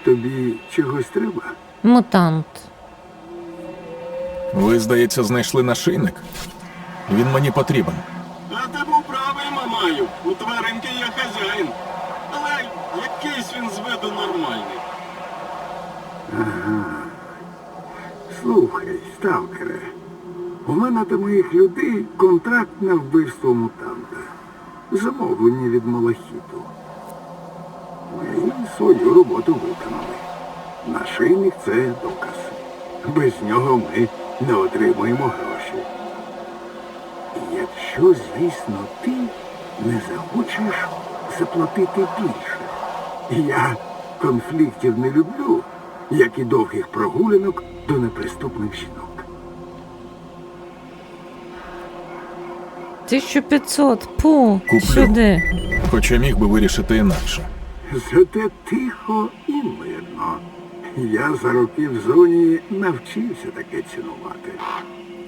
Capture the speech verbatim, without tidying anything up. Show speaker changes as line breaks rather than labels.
Тобі чогось треба?
Мутант.
Ви, здається, знайшли нашийник? Він мені потрібен.
А ти був правий, Мамаю. У тваринки є хазяїн. Але якийсь він з виду нормальний.
Слухай, сталкере, у мене до моїх людей контракт на вбивство мутанта. Замовлення від Малахіту. Ми свою роботу виконали. Нашийник – це доказ. Без нього ми не отримуємо гроші. Якщо, звісно, ти не захочеш заплатити більше. Я конфліктів не люблю, як і довгих прогулянок до неприступних жінок.
тисяча п'ятсот. Пу,
Куплю.
сюди.
Хоча міг би вирішити інакше.
Зате тихо і мирно. Я за роки в зоні навчився таке цінувати.